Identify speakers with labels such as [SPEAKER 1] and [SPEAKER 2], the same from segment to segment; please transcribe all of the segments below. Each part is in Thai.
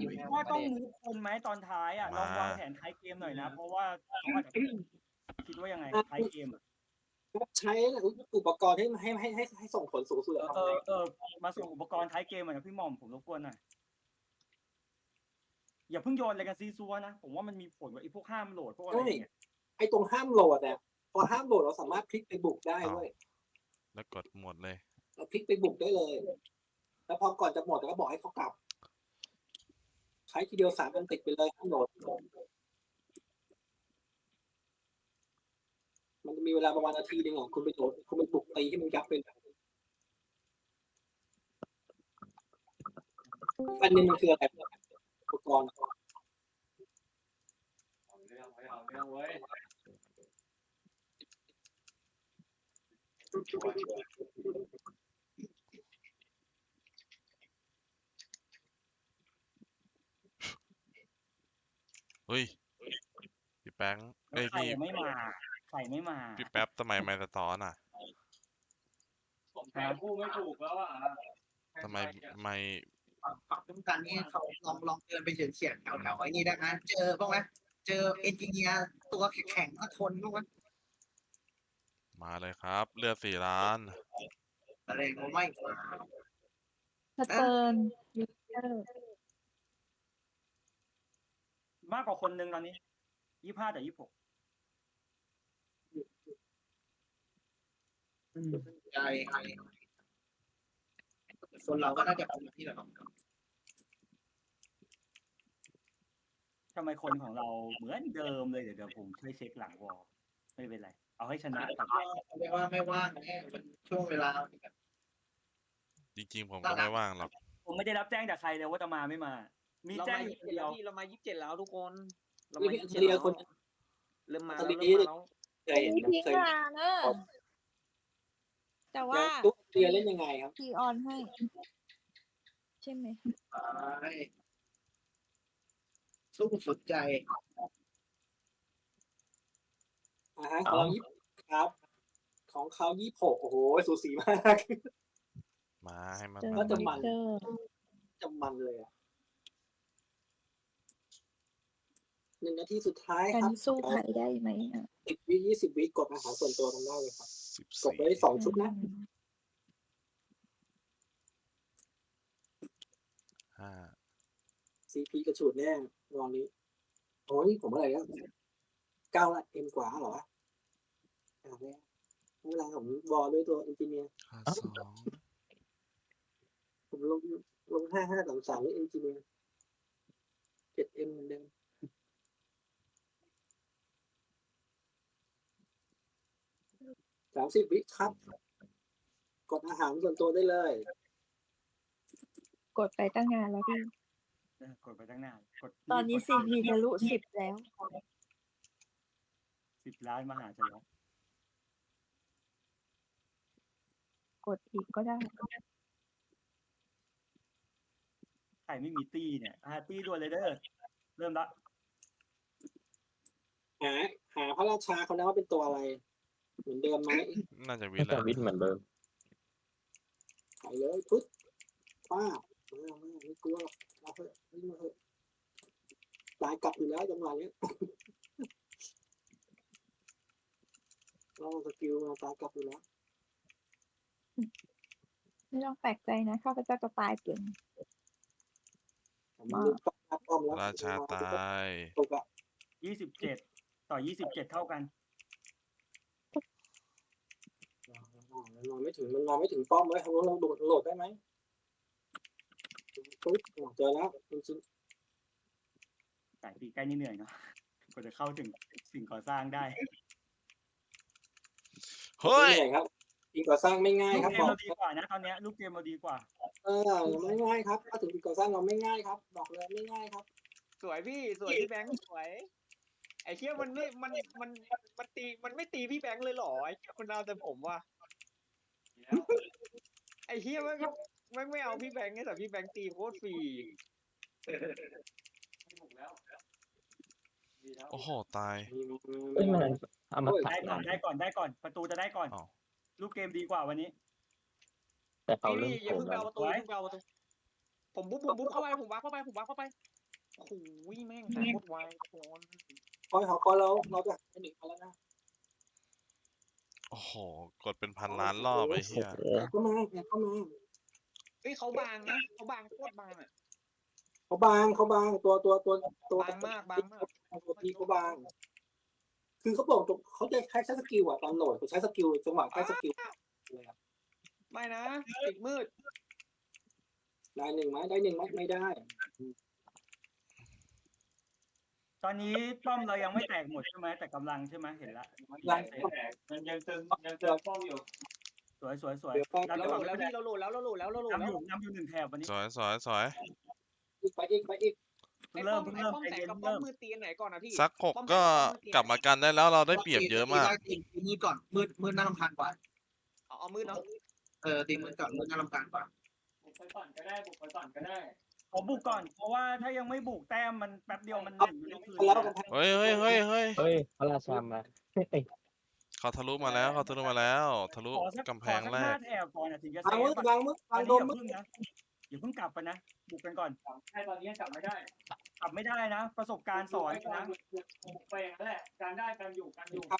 [SPEAKER 1] ว่าต้องมูฟคนไหมตอนท้ายอ่ะลองวางแผนท้ายเกมหน่อยนะเพราะว่าเขาอาจจะคิดว่ายังไงท้ายเกม
[SPEAKER 2] ใช้อุปกรณ์ให้ส่งผลสูงสุดทำไง
[SPEAKER 1] มาส่งอุปกรณ์ท้ายเกมหน่อยนะพี่หม่อมผมรบกวนหน่อยอย่าเพิ่งโยนอะไรกันซีซัวนะผมว่ามันมีผลกับไอ้พวกห้ามโหลดพวกอะไรเนี่ย
[SPEAKER 2] ไอ้ตรงห้ามโหลดเนี่ยพอห้ามโหลดเราสามารถคลิกไปบุกได้ด้วย
[SPEAKER 3] แล้วกดหมดเลย
[SPEAKER 2] เราคลิกไปบุกได้เลยแล้วพอก่อนจะหมดเราก็บอกให้เขากลับใช้ทีเดียว3 อันติดไปเลยห้ามโหลดมันมีเวลาประมาณนาทีนึงอ่ะคุณไปโหลดคุณไปบุกตีให้มันยับไปอันนี้มันคืออะไรอุปกรณ์
[SPEAKER 1] เอาเรื่องเว้ย
[SPEAKER 3] เฮ้ยพี่แป้ง
[SPEAKER 1] ใครไม่มา
[SPEAKER 3] พี่แป๊บทำไมไม่สะท้อนอ่ะ
[SPEAKER 1] ผมแทงคู่ไม่ถูกแล้วอ่ะ
[SPEAKER 3] ทำไมไม่
[SPEAKER 4] ฝั่งต้องการนี่เขาลองเดินไปเฉียดแถวไอ้นี่ได้ไหมเจอบ้างไหมเจอเอนจิเนียร์ตัวแข็งสักคนบ้างไหม
[SPEAKER 3] มาเลยครับเลือด4 ล้าน
[SPEAKER 4] อะไรก็ไม่มา
[SPEAKER 5] สเติร์นยูเตอร์
[SPEAKER 1] มากกว่าคนนึงตอนนี้25 แต่ 26
[SPEAKER 4] ใช่คนเราก็น่าจะเป็นที่เรา
[SPEAKER 1] ทำไมคนของเราเหมือนเดิมเลยเดี๋ยวผมช่วยเช็คหลังวอลไม่เป็นไรเอาให้ชนะก่อน
[SPEAKER 4] ไม่ว่าไม่ว่างมันช่วงเวลา
[SPEAKER 3] จริงๆผมก็ไม่ว่างหรอก
[SPEAKER 1] ผมไม่ได้รับแจ้งจากใครเลยว่าจะมาไม่มามีแจ้งอยู่เดียว
[SPEAKER 6] เรามา27แล้วทุกคนเรา
[SPEAKER 2] นี่
[SPEAKER 6] มา
[SPEAKER 2] เป็นเรียคน
[SPEAKER 6] เริ่มมา
[SPEAKER 2] ตอน
[SPEAKER 6] แล้ว
[SPEAKER 2] นี้
[SPEAKER 6] เริ่มมาแล้ว
[SPEAKER 2] เคยเห็น
[SPEAKER 5] ทิ้งมาเนอะแต่ว่า
[SPEAKER 2] ตุ๊กเรียเล่นยังไงครับ
[SPEAKER 5] พีออนให้ ใช่ไหม
[SPEAKER 4] สู้สุดใจ
[SPEAKER 2] ของเรา20ครับของเขา26โอ้โหสูสีมาก
[SPEAKER 3] มาให้มัน
[SPEAKER 2] ก็จะมันเลยอ่ะ1 นาทีสุดท้ายครับ
[SPEAKER 5] สู้ใครได้ไหมอ่ะ
[SPEAKER 2] 10 วิ20 วิกดอาหารส่วนตัวกันได้เลยครับกดไปได้2 ชุดนะCP กระฉูดแน่รองนี้โอ้ยผมอะไรแล้ว9ละM กว่าเหรอแล้วเวลาผมบอลด้วยตัวเอนจิเนียร์ผมลง5533ด้วยเอนจิเนียร์ 7M เหมือนเดิม30 วิครับ กดอาหารส่วนตัวได้เลย
[SPEAKER 5] กดไปตั้งนานแล้วพี่
[SPEAKER 1] กดไปตั้งนาน
[SPEAKER 5] ตอนนี้ CP ทะลุ10แล้ว
[SPEAKER 1] 10 ล้านมหาชนก
[SPEAKER 5] กดอีกก็ได้
[SPEAKER 1] ใครไม่มีตี้เนี่ยตี้ด่วนเลยเด้อเริ่มละ
[SPEAKER 2] หาพระราชาเขานะว่าเป็นตัวอะไรเหมือนเดิมไหม
[SPEAKER 3] น่าจะวิทย์
[SPEAKER 7] เหมือนเดิม
[SPEAKER 2] ไปเลยพุทธป้าไม่กลัวเราเถอะวิ่งมาเถอะตายกลับอยู่แล้วจังหวะนี้เราสกิลมาตายกลับอยู่แล้ว
[SPEAKER 5] ไม่ต้องแปลกใจนะข้าพเจ้าจะตายเก่ง
[SPEAKER 3] ราชาตาย
[SPEAKER 1] 27 ต่อ 27เท่ากัน
[SPEAKER 2] มันนอนไม่ถึงป้อมไว้เขาลองโหลดได้ไหมปุ๊บเจอแล้วจริง
[SPEAKER 1] สายปีใกล้นี่เหนื่อยเนาะกว่าจะเข้าถึงสิ่งก่อสร้างได้
[SPEAKER 3] เฮ้ย
[SPEAKER 2] ครับสิ่งก่อสร้างไม่ง่ายครับ
[SPEAKER 1] ลูกเกมเราดีกว่านะตอนนี้ลูกเกมเราดีกว่า
[SPEAKER 2] ไม่ง่ายครับถ้าถึงสิ่งก่อสร้างเราไม่ง่ายครับบอกเลยไม่ง่ายครับ
[SPEAKER 6] สวยพี่แบงค์สวยไอ้เหี้ยมันไม่ตีพี่แบงค์เลยหรอไอ้เหี้ยมันเอาแต่ผมว่ะไอ้เหี้ยไม่เอาพี่แบงค์แต่พี่แบงค์ตีโคตรฟรี
[SPEAKER 3] โอ้โหตาย
[SPEAKER 1] ได้ก่อนประตูจะได้ก่อนลูกเกมดีกว่าวันนี้
[SPEAKER 7] แต่เขา
[SPEAKER 6] พี่อย่าเพิ่งเอาประตูผมบุ๊บเข้าไปผมวาร์ปเข้าไปโอ้โหแม่งหายโคตรไวโคน
[SPEAKER 2] คอยหอคอยเราจะไปหนึ่งมาแล้วนะ
[SPEAKER 3] โอ้โห กดเป็นพันล้านรอบไอ้เหี้ย
[SPEAKER 2] เข้ามาเข้ามา
[SPEAKER 6] เฮ้ยเขาบางนะเขาบางโคตรบางอ่ะ
[SPEAKER 2] เขาบางตัว
[SPEAKER 6] บางมาก
[SPEAKER 2] ตัวทีเขาบาง คือเขาบอกเขาจะใช้สกิลอ่ะตอนโหลดเขาใช้สกิลจังหวะใช้สกิลเลยครับ
[SPEAKER 6] ไม่นะติดมืด
[SPEAKER 2] ได้หนึ่งไหมได้หนึ่งไหมไม่ได้
[SPEAKER 1] ตอนนี้ป้อมเรายังไม่แตกหมดใช่ไหมแต่กำลังใช่ไหมเห็นละ
[SPEAKER 7] มันยังเติมป้อมอยู่
[SPEAKER 1] สวย
[SPEAKER 2] เดี๋ยวก็
[SPEAKER 1] ดัน
[SPEAKER 6] เรา
[SPEAKER 1] ไป
[SPEAKER 6] โหล
[SPEAKER 1] ก่อน
[SPEAKER 6] ดแล้วพี่เราโหลดแล้ว
[SPEAKER 1] นำอยู่หนึ่งแถบวันนี้
[SPEAKER 3] สวย
[SPEAKER 2] ไปอีก
[SPEAKER 1] เพิ่งเริ่ม
[SPEAKER 6] ไอ้
[SPEAKER 1] ใจ
[SPEAKER 6] ป้อมแตก
[SPEAKER 1] เย็น
[SPEAKER 6] กับ
[SPEAKER 1] เพิ่ง
[SPEAKER 6] ป้อม
[SPEAKER 1] เริ่ม
[SPEAKER 6] มืดตีไหนก่อนนะพี่
[SPEAKER 3] สักหกก็กลับมากันได้แล้วเราได้เปรียบเยอะมาก
[SPEAKER 4] ตีมืดก่อนมืดน่ารำคาญกว่า
[SPEAKER 6] เอามืดเนาะ
[SPEAKER 4] ตีมืดก่อนมืดน่ารำคาญกว่า
[SPEAKER 7] บุกไปก่อนก็ได้บุกไปก่อนก็ได้
[SPEAKER 1] ขอบุกก่อนเพราะว่าถ้ายังไม่บุกแต้มมันแป๊บเดียวมัน
[SPEAKER 2] แล้ว
[SPEAKER 1] คืน
[SPEAKER 2] แล้ว
[SPEAKER 1] นะ
[SPEAKER 2] กัน
[SPEAKER 3] เฮ้ย
[SPEAKER 8] เฮ้ยพระราชามา
[SPEAKER 3] เขาทะลุมาแล้ว ทะลุ
[SPEAKER 1] ขอสัก
[SPEAKER 3] กำแพง
[SPEAKER 1] ขอสัก
[SPEAKER 3] แร
[SPEAKER 1] ห้าก แถบก่อนถึงจะเซ
[SPEAKER 2] วางมือ
[SPEAKER 1] ฟอะ
[SPEAKER 2] วางมือ
[SPEAKER 1] อั
[SPEAKER 2] วาน ง
[SPEAKER 1] นี้
[SPEAKER 2] โดม
[SPEAKER 1] อย่าเพิ่งกลับไปนะบุกกันก่อน
[SPEAKER 7] ใช่ตอนนี้กลับไม่ได้
[SPEAKER 1] กลับไม่ได้นะ ประสบการณ์สอนนะ
[SPEAKER 7] บุกไปอย่างนั้นแหละการได้การอยู่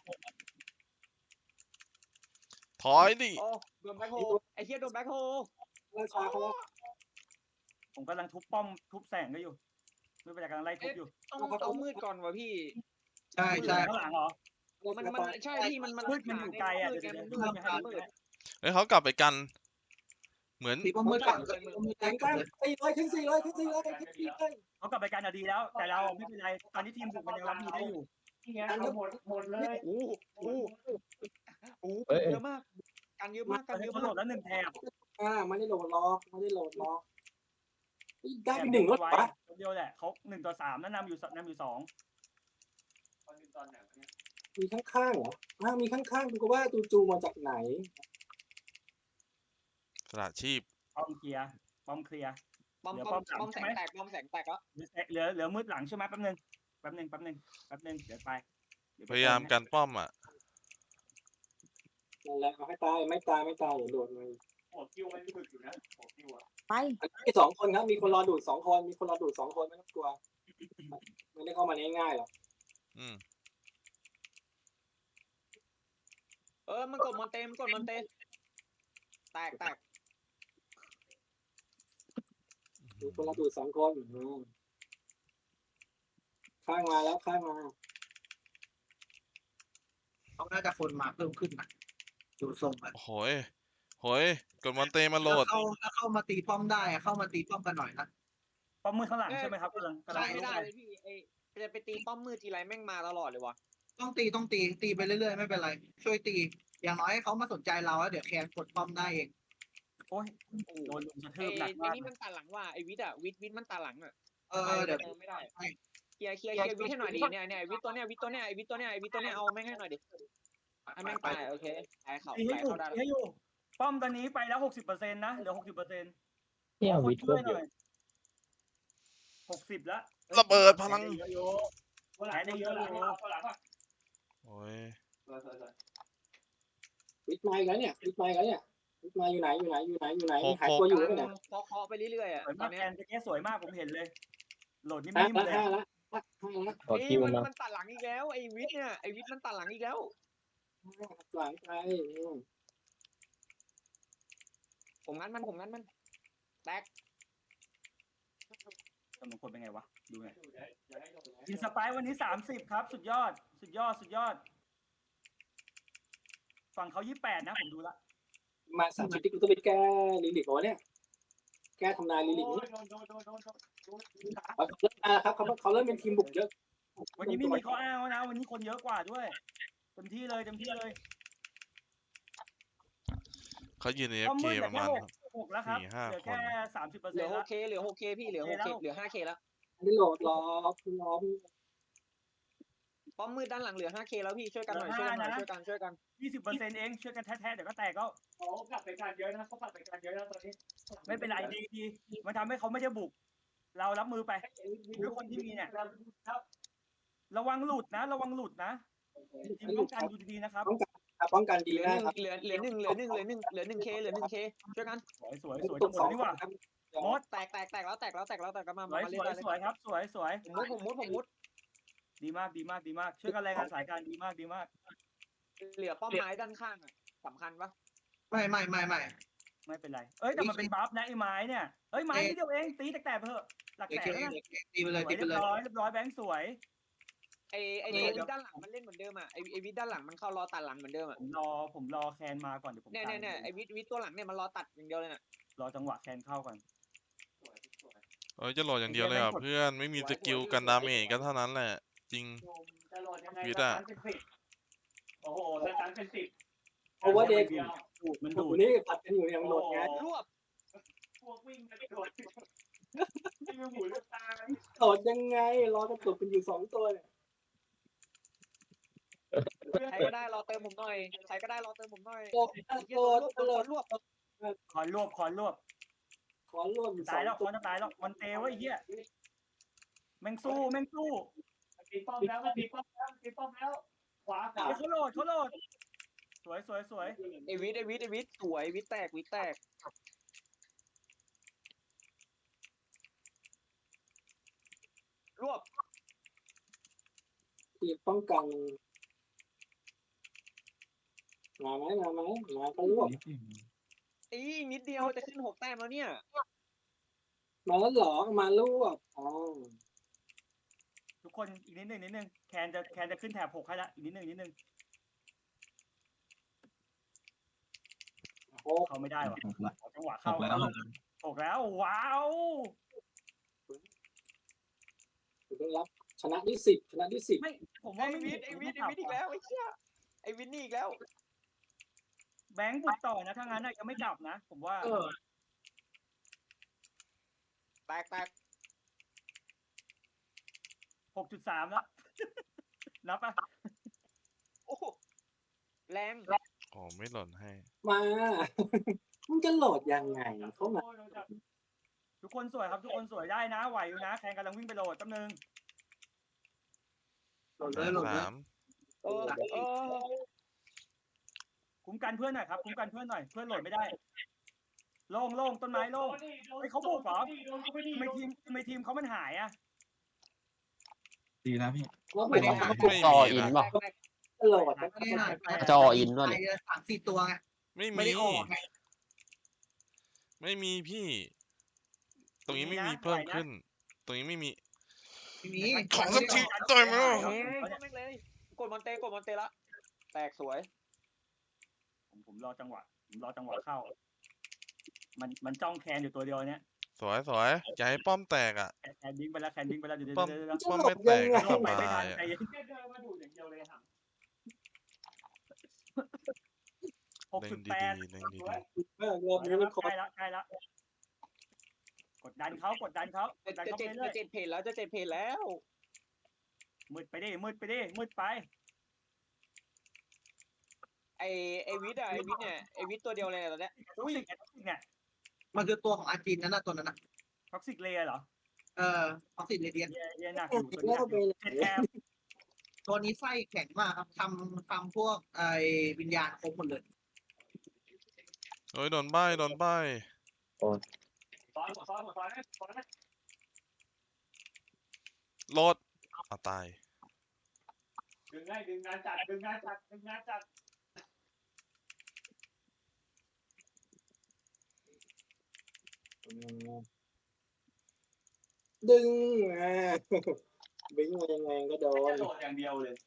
[SPEAKER 3] ถอยดิ
[SPEAKER 6] โอ้โดนแบ็คโฮไอ้เหี้ยโดนแบ็คโฮ
[SPEAKER 2] ราชาเขาแล้ว
[SPEAKER 1] ผมกำลังทุบป้อมทุบแสงก็อยู่ไม่เป็นไรกำลังไล่ทุบอยู่
[SPEAKER 6] ต้องเอามืดก่อนวะพี่
[SPEAKER 4] ใช่
[SPEAKER 1] ข้างหลังเหรอ
[SPEAKER 6] มันใช่พี่มัน
[SPEAKER 1] มืดมันอยู่ไกลอะ
[SPEAKER 6] มืด
[SPEAKER 1] เดี๋ยว
[SPEAKER 6] มัน
[SPEAKER 1] ดู
[SPEAKER 6] มืด
[SPEAKER 1] จะให้มืด
[SPEAKER 3] เฮ้ยเขากลับไปกัน เหมือน
[SPEAKER 4] ตีป้อมมืดก่อน
[SPEAKER 2] แข่งกัน400ขึ้น400ขึ้น400ขึ้น400
[SPEAKER 1] เขากลับไปกันอะดีแล้ว แต่เราไม่เป็นไรตอนนี้ทีมบุกมันยังรับมือได้อยู่
[SPEAKER 7] ที่งั้นเอาหมดเลย
[SPEAKER 6] โอ้โหเยอะมากกันเยอะมากกันเยอะ
[SPEAKER 1] เขาโหล
[SPEAKER 6] มาก
[SPEAKER 1] ดแล้วหนึ่งแถบ
[SPEAKER 2] ไม่ได้โหลดล็อกได้ไปหนึ่งรถ
[SPEAKER 1] ไว้
[SPEAKER 2] วะ
[SPEAKER 1] เดียวแหละเขา1-3แล้วนำอยู่2
[SPEAKER 7] ตอนไหนเนี่ย
[SPEAKER 2] มีข้างๆเหรอมีข้างๆกูก็ว่าจูมาจากไหน
[SPEAKER 3] สละชีพ
[SPEAKER 1] ป้อมเคลียร์
[SPEAKER 6] ป้อมแสงแตกแล้ว
[SPEAKER 1] เหลือมืดหลังใช่ไหมแป๊บนึงเดี๋ยวไป
[SPEAKER 3] พยายามกันป้อมอ่ะ
[SPEAKER 2] นั่นแหละเอาให้ตายไม่ตายอย่าโดดเลย
[SPEAKER 7] หัวคิวมันฝึกอยู่นะหัวคิวอ่ะ
[SPEAKER 5] ไป
[SPEAKER 2] มี2 คนครับมีคนรอดูด2 คนไม่ต้องกลัวไม่ได้เข้ามาง่ายๆหรอก
[SPEAKER 3] อืม
[SPEAKER 6] มันกดมอนเตแตก
[SPEAKER 2] มีคนรอดูด2 คนข้างมาแล้วข้างมา
[SPEAKER 4] เขาน่าจะคนมาเพิ่มขึ้นนะดูทรงอะ
[SPEAKER 3] โหยกดมอนเตมาโหลด
[SPEAKER 4] ถ้าเข้ามาตีป้อมได้เข้ามาตีป้อมกันหน่อยนะ
[SPEAKER 1] ป้อมมืดข้างหลังใช่ไหมครับกำลัง
[SPEAKER 6] ใช่ไม่ได้เลยพี่จะไปตีป้อมมืดทีไรแม่งมาตลอดเลยวะ
[SPEAKER 4] ต้องตีไปเรื่อยๆไม่เป็นไรช่วยตีอย่างน้อยให้เขามาสนใจเราแล้วเดี๋ยวแคนกดป้อมได้เอง
[SPEAKER 1] โอ้ยโดนลุมกระทื
[SPEAKER 6] ไอ้
[SPEAKER 1] บหนักมาก
[SPEAKER 6] นี่มันตัดหลังว่ะไอ้วิทอะวิทมันตัดหลังอะ
[SPEAKER 4] เดี๋ยว
[SPEAKER 6] ไม่ได้เคลียร์วิทให้หน่อยดิเนี่ยวิทตัวเนี้ยเอาแม่งให้หน่อยดิให้แม่งตายโอเคตายเขา
[SPEAKER 1] ตีให้
[SPEAKER 6] ตาย
[SPEAKER 1] อยู่
[SPEAKER 6] เขาได้
[SPEAKER 1] ตีให้อยู่ป้อมตอนนี้ไปแล้ว60%นะเหลือ60%
[SPEAKER 8] เนี่ยวิทย์
[SPEAKER 1] ช่
[SPEAKER 8] ก็
[SPEAKER 1] วย
[SPEAKER 8] เย
[SPEAKER 1] หน่
[SPEAKER 8] อะ
[SPEAKER 1] อย60แล้ว
[SPEAKER 3] ระเบิดพลัง
[SPEAKER 1] ได้เยอะๆ
[SPEAKER 3] โอ้ย
[SPEAKER 2] วิทย์มาอีกแล้วเนี่ยวิทย์มาอยู่ไหนหายตัวอยู่ไหน
[SPEAKER 6] พอเคาะไปเรื่อยๆอ่ะ
[SPEAKER 1] สวย
[SPEAKER 6] ตอ
[SPEAKER 1] มาน ก
[SPEAKER 6] เนี้
[SPEAKER 1] แอนจะแก้สวยมากผมเห็นเลย โหลดนิ่
[SPEAKER 2] 5
[SPEAKER 1] มๆเลย
[SPEAKER 2] ละ
[SPEAKER 8] ขอคิวมา
[SPEAKER 6] มันตัดหลังอีกแล้วไอ้วิทเนี่ยไอ้วิทมันตัดหลังอีกแล้ว
[SPEAKER 2] หลังไป
[SPEAKER 6] ผมงั้นมันแตก
[SPEAKER 1] จำนวนคนเป็นไงวะดูหน่อยอินสปายวันนี้30ครับสุดยอดฝั่งเขา28นะผมดูละ
[SPEAKER 2] มา30ที่กูต้องไปแก้ลิลิกเนี่ยแก้ทำนายลิลิกนี่ครับเขาเริ่มเป็นทีมบุกเยอะ
[SPEAKER 1] วันนี้ไม่มีข้ออ้างนะวันนี้คนเยอะกว่าด้วยเต็มที่เลย
[SPEAKER 3] เขายืนใน
[SPEAKER 1] ป้อม
[SPEAKER 3] FK
[SPEAKER 1] มืดเหลื
[SPEAKER 3] ป
[SPEAKER 1] อ
[SPEAKER 3] ระ
[SPEAKER 1] แค่
[SPEAKER 3] มาณ
[SPEAKER 1] 6แล้วครับ
[SPEAKER 3] 4-5
[SPEAKER 1] เหลือแค่ 30%
[SPEAKER 6] เหลือ
[SPEAKER 1] แล้ว
[SPEAKER 6] 6K พี่เหลือ 5K แล้ว
[SPEAKER 2] ไม่โหลดล้อ
[SPEAKER 6] ป้อมมืดด้านหลังเหลือ 5K แล้วพี่ช่วยกันหน่อยช่วยกัน
[SPEAKER 1] 20%เองช่วยกันแท้ๆเดี๋ยวก็แตกก็
[SPEAKER 7] เขากลับไปการเยอะนะตอนนี้
[SPEAKER 1] ไม่เป็นไรดีมันทำให้เขาไม่ได้บุก เรารับมือไปด้วยคนที่มีเนี่ยระวังหลุดนะทีมป้องกันดูดีๆนะครับ
[SPEAKER 2] ป้องกันดี
[SPEAKER 6] เหลือ
[SPEAKER 2] มากครับ
[SPEAKER 6] 1K ช่วยกัน
[SPEAKER 1] สวยทั้งหมดนี่หว่าหมด
[SPEAKER 6] แตกแล้วมา
[SPEAKER 1] สวย
[SPEAKER 6] มา
[SPEAKER 1] ส
[SPEAKER 6] เล่น
[SPEAKER 1] วย
[SPEAKER 6] ได้เลย
[SPEAKER 1] สวยครับสวยสวย
[SPEAKER 6] ผมมุด
[SPEAKER 1] ดีมากดีมากดีมากช่วยกันรายงานสายการดีมากดีมาก
[SPEAKER 6] เหลือป้อมไม้ด้านข้างอะสำคัญปะ
[SPEAKER 4] ไม่
[SPEAKER 1] ไม่เป็นไรเอ้ยแต่มันเป็นบัฟนะไอ้ไม้เนี่ยเอ้ยไม้นิดเดียวเองตีแตกๆไปเถอะหลัก
[SPEAKER 4] เด็ก
[SPEAKER 1] แสนแล้วนะ
[SPEAKER 4] ตีไปเลย
[SPEAKER 1] สวย
[SPEAKER 4] ตีไป
[SPEAKER 1] เรีย
[SPEAKER 4] เลย
[SPEAKER 1] บร้อยเรียบร้อยแบงค์สวย
[SPEAKER 6] ไอตัววิทด้านหลังมันเล่นเหมือนเดิมอะไอวิทด้านหลังมันเข้ารอตัดหลังเหมือนเดิมอะ
[SPEAKER 1] ผมรอแคนมาก่อนเดี๋ยวผม
[SPEAKER 6] เนี่ยไอวิทตัวหลังเนี่ยมันรอตัดอย่างเดียวเลยน่ะ
[SPEAKER 1] รอจังหวะแคนเข้าก่อน
[SPEAKER 7] สวยสวย
[SPEAKER 3] เอ้ยจะโหลดอย่างเดียวเลยเหรอ่ะเพื่อนไม่มีสกิลกันดาเมจก็เท่านั้นแหละ จริง
[SPEAKER 7] โยมจะโหลดยังไง
[SPEAKER 3] วิท
[SPEAKER 7] ส
[SPEAKER 3] ย์อะ
[SPEAKER 7] ตันเป็น10โอ้โหสตันเป็น10
[SPEAKER 2] เพราะว่าเด็ก
[SPEAKER 7] เดียว
[SPEAKER 1] ดูดมัน
[SPEAKER 2] ดู
[SPEAKER 1] ดูด
[SPEAKER 2] นี่ผัดกันอยู่ยังหมดไง
[SPEAKER 6] รวบ
[SPEAKER 7] พวกวิ่งมาโดดที่มือหูลูกตา
[SPEAKER 2] โหลดยังไงรอกระตุกกันอยู่2ตัวเนี่ย
[SPEAKER 6] ใครก็ได้รอเติมผมหน่อยใครก็ได้รอเติมผมหน่อย
[SPEAKER 2] โหลด
[SPEAKER 6] เหี้
[SPEAKER 2] โห
[SPEAKER 6] ย
[SPEAKER 2] ล
[SPEAKER 6] โด
[SPEAKER 2] ด
[SPEAKER 6] นรวบ
[SPEAKER 1] คอนรวบ
[SPEAKER 2] ขอร่วมอยู่
[SPEAKER 1] ตายแล้ว
[SPEAKER 2] 2ตัว
[SPEAKER 1] มันจะตายแล้วมันเตะไว้เหี้ยแม่งสู้
[SPEAKER 7] ตีป้อมแล้วตีป้อมแล้วขวา
[SPEAKER 1] เฮ้ยเขาโหลดสวย
[SPEAKER 6] ไอวิทสวยวิทแตกรวบ
[SPEAKER 2] ทีป้องกันมาไหมมาก็รวบ
[SPEAKER 6] อีนิดเดียวจะขึ้น6 แต้มแล้วเนี่ย
[SPEAKER 2] มาแล้วหรอมารวบอ๋อ
[SPEAKER 1] ทุกคนอีกนิดนึงแคนจะขึ้นแถบ6ให้ละอีกนิดนึง
[SPEAKER 2] โอ้
[SPEAKER 1] เข้าไม่ได้ว่ะขอจังหวะเข้า6แล้วว้าว
[SPEAKER 2] ได้รับชนะที่10ชนะที่10
[SPEAKER 1] ไม่ผม
[SPEAKER 6] ไอ
[SPEAKER 1] ว่าไม่มี
[SPEAKER 6] วิทอีกแล้วไอ้เหี้ยไอวิทนี่อีกแล้ว
[SPEAKER 1] แบงค์บุกต่อนะถ้างั้นยังไม่กลับนะ ผมว่า
[SPEAKER 6] แตก
[SPEAKER 1] 6.3แล้ว นับปะ
[SPEAKER 6] โอ้โหแรง
[SPEAKER 3] อ๋อไม่หล่นให้
[SPEAKER 2] มา มึงจะโหลดยังไงเข้ามา
[SPEAKER 1] ทุกคนสวยครับทุกคนสวยได้นะไหวอยู่นะแคนกำลังวิ่งไปโหลดแป๊บนึง
[SPEAKER 4] โหลดเลย
[SPEAKER 3] 3
[SPEAKER 6] เออ
[SPEAKER 1] คุ้มกันเพื่อนหน่อยครับคุ้มกันเพื่อนหน่อยเพื่อนโหลดไม่ได้โล่งต้นไม้โล่งทำไมทีมเขามันหายอ่ะ
[SPEAKER 8] ดีนะพี่
[SPEAKER 2] ว่า
[SPEAKER 4] ไม่ได้
[SPEAKER 3] ไม่
[SPEAKER 8] จอ
[SPEAKER 3] มี
[SPEAKER 8] อิน
[SPEAKER 3] นะ
[SPEAKER 8] ป่ะ
[SPEAKER 2] โหลด
[SPEAKER 4] ไม่ได้
[SPEAKER 8] จออินด้วย
[SPEAKER 4] 3-4 ตัวไง
[SPEAKER 3] ไม่
[SPEAKER 4] ไม่
[SPEAKER 3] มี
[SPEAKER 4] ได้ออกไง
[SPEAKER 3] ไม่มีพี่ ตรงนี้ไม่มีเพิ่มขึ้น ตรงนี้ไม่มี
[SPEAKER 4] ทีนี้
[SPEAKER 3] ขอสักทีต่อยไหมวะ
[SPEAKER 6] แม่งเลยกดมอนเตละแตกสวย
[SPEAKER 1] ผมรอจังหวะเข้า มันจ้องแคนอยู่ตัวเดียวเนี้ย
[SPEAKER 3] สวยอย่าให้ป้อมแตกอ่ะ
[SPEAKER 1] แคนดิ้งไปแล้วเดี๋ยว
[SPEAKER 3] ป้อม
[SPEAKER 1] เดี๋ยว
[SPEAKER 3] ป้อมไม่แตกก็ส
[SPEAKER 1] ลงไป
[SPEAKER 3] บา
[SPEAKER 1] ไม่ทัน
[SPEAKER 3] ยอ่ะ
[SPEAKER 1] ใจเย็น
[SPEAKER 7] แค่เดินมาดูอย่างเดียวเลยค่ะ
[SPEAKER 3] เล่น
[SPEAKER 1] 6.8
[SPEAKER 3] ดีๆเล่นดี
[SPEAKER 2] รอบนี้มันคอ
[SPEAKER 1] ใกล้ละกดดันเขา
[SPEAKER 6] จะ
[SPEAKER 1] ไปเรื่อย
[SPEAKER 6] 7 เพจแล้ว
[SPEAKER 1] มืดไปดิมืดไป
[SPEAKER 6] ไอวิทเนี่ยไอวิทตัวเดียวเลยตอนเนี้ย
[SPEAKER 1] ท็อกซิกเนี่ย
[SPEAKER 4] มันคือตัวของอาจินนั่นน่ะตัวนั้นน่ะ
[SPEAKER 1] ท็อกซิกเลย์เหรอ
[SPEAKER 4] ออกซิเรเดียน
[SPEAKER 1] เยหนักอยู่ตัว
[SPEAKER 2] แล้วไป
[SPEAKER 1] นี้เจ็ดแคม
[SPEAKER 4] ตัวนี้ไส้แข็งมากครับทำพวกไอวิญญาณครบหมดเลย
[SPEAKER 3] ๆโอ้ยโดนใบ้
[SPEAKER 7] ซ้อนนะ
[SPEAKER 3] โหลดอ่ะตาย
[SPEAKER 7] ดึงงานจัด
[SPEAKER 2] ดึงบิงมายังไงก็โด
[SPEAKER 7] แค่
[SPEAKER 2] น
[SPEAKER 7] โหลดอย่างเดียวเลย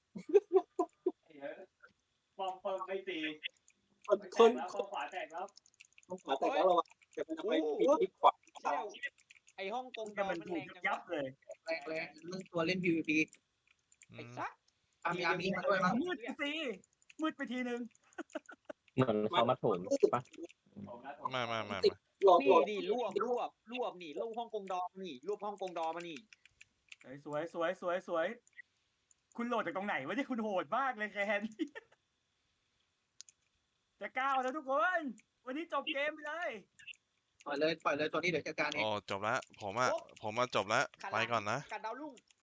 [SPEAKER 7] ปอมเปิมไม่ตี
[SPEAKER 2] คน
[SPEAKER 7] แล้วขวาแตกแล้ว
[SPEAKER 2] ขวาแตกแล้วระวังจะทำให้ปิดขวา
[SPEAKER 6] ไอฮ่องกง
[SPEAKER 1] แต่มันถูกยับเลย
[SPEAKER 4] แรงเรื่องตัวเล่น PVP
[SPEAKER 6] ไอ้ซัก
[SPEAKER 4] อามีมาด้วยมั้ง
[SPEAKER 1] มืดไปสิมืดไปทีนึง
[SPEAKER 8] เหมือนเขามาโถมป่ะ
[SPEAKER 3] ไม่
[SPEAKER 2] หลอด
[SPEAKER 6] นี่ดิรวบนี่รวบฮ่องกงดอนี่รวบฮ่องกงดอมานี่
[SPEAKER 1] สวยคุณโหลดจากตรงไหนวะเนี่ยคุณโหดมากเลยแคนจะก้าวแล้วทุกคน วันนี้จบเกมไปเลย
[SPEAKER 4] ปล่อยเลยตัวนี้เดี๋ยวจัดการเอง
[SPEAKER 3] อ๋อจบแล้วผมจบแล้วไปก่อนนะ
[SPEAKER 6] กัดดาวรุ่ง